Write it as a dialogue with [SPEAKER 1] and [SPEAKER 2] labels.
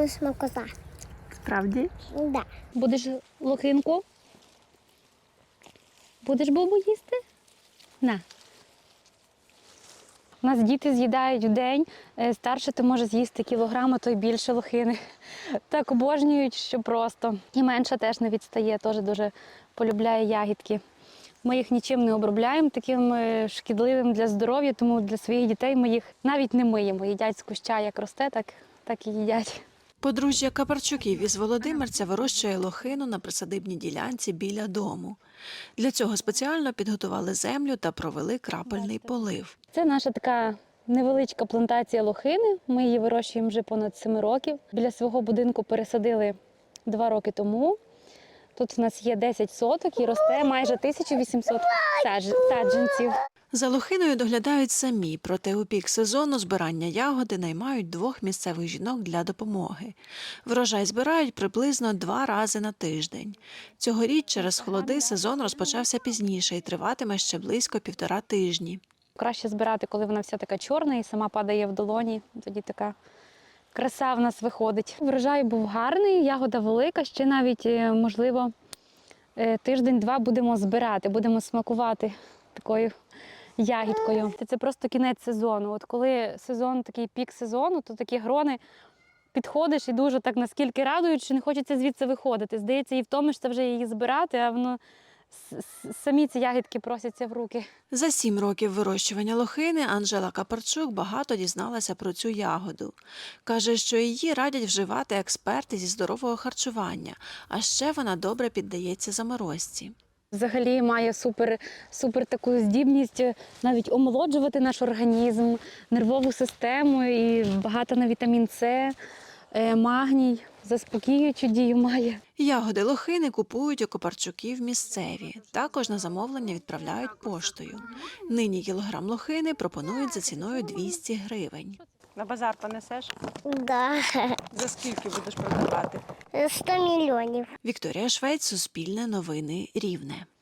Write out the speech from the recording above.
[SPEAKER 1] саме смакота.
[SPEAKER 2] Справді?
[SPEAKER 1] Да.
[SPEAKER 2] Будеш лохинку? Будеш бобу їсти? На. У нас діти з'їдають в день, старше то може з'їсти кілограм, а то й більше лохини. Так обожнюють, що просто. І менша теж не відстає, теж дуже полюбляє ягідки. Ми їх нічим не обробляємо, таким шкідливим для здоров'я, тому для своїх дітей ми їх навіть не миємо. Їдять з куща, як росте, так і їдять.
[SPEAKER 3] Подружжя Капарчуків із Володимирця вирощує лохину на присадибній ділянці біля дому. Для цього спеціально підготували землю та провели крапельний полив.
[SPEAKER 2] Це наша така невеличка плантація лохини. Ми її вирощуємо вже понад 7 років. Біля свого будинку пересадили 2 роки тому. Тут у нас є 10 соток і росте майже 1800 саджанців.
[SPEAKER 3] За лохиною доглядають самі, проте у пік сезону збирання ягоди наймають 2 місцевих жінок для допомоги. Врожай збирають приблизно 2 рази на тиждень. Цьогоріч через холоди сезон розпочався пізніше і триватиме ще близько 1,5 тижні.
[SPEAKER 2] Краще збирати, коли вона вся така чорна і сама падає в долоні. Тоді така краса в нас виходить. Врожай був гарний, ягода велика, ще навіть, можливо, тиждень-два будемо збирати, будемо смакувати такою ягідкою. Це просто кінець сезону. От коли сезон, такий пік сезону, то такі грони підходиш і дуже так наскільки радують, що не хочеться звідси виходити. Здається, і втомишся вже її збирати, а воно самі ці ягідки просяться в руки.
[SPEAKER 3] За 7 років вирощування лохини Анжела Капарчук багато дізналася про цю ягоду. Каже, що її радять вживати експерти зі здорового харчування, а ще вона добре піддається заморозці.
[SPEAKER 2] Взагалі має супер таку здібність навіть омолоджувати наш організм, нервову систему і багато на вітамін С, магній, заспокіюючу дію має.
[SPEAKER 3] Ягоди лохини купують у Капарчуків місцеві. Також на замовлення відправляють поштою. Нині кілограм лохини пропонують за ціною 200 гривень.
[SPEAKER 4] На базар понесеш?
[SPEAKER 1] Да.
[SPEAKER 4] За скільки будеш продавати?
[SPEAKER 1] 100 мільйонів.
[SPEAKER 3] Вікторія Швець, Суспільне новини, Рівне.